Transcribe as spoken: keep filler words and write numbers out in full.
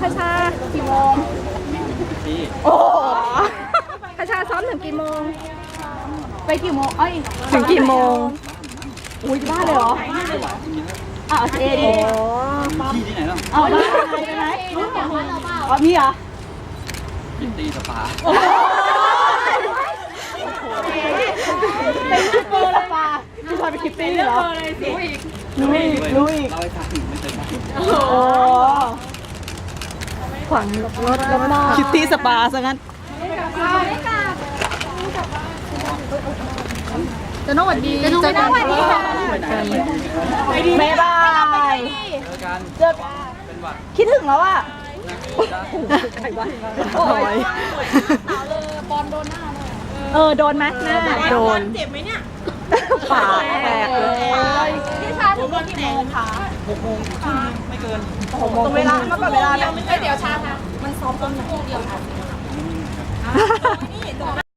คาชากี่โมงโอ้คาชาซ้อมถึงกี่โมงไปกี่โมงเอ้ยถึงกี่โมงอุ้ยบ้าเลยเหรออ้าวเอดีที่ที่ไหนล่ะเอาบ้าใช่ไหมอ๋อมีเหรอคิตตี้สปาเป็นคิปเปอร์ละปาพี่ชายเป็นคิตตี้เหรอรู้อีกรู้อีกรู้อีกเราไปทำไม่เคยโอ้ขวางรถแล้วมอคิตตี้สปาซะงั้นจะน้องหวัดดีจะน้องหวัดดีค่ะบ๊ายบายเจอกันคิดถึงแล้วอ่ะโอ้ยบอลโดนหน้าเออโดนไหมหน้าโดนเจ็บไหมเนี่ยปากแตกเลยพี่ชายถึงกี่โมงคะหกโมงไม่เกินหกโมงตรงเวลาเมื่อก่อนเวลาไม่เดี๋ยวชาค่ะมันซ้อมตอนไหน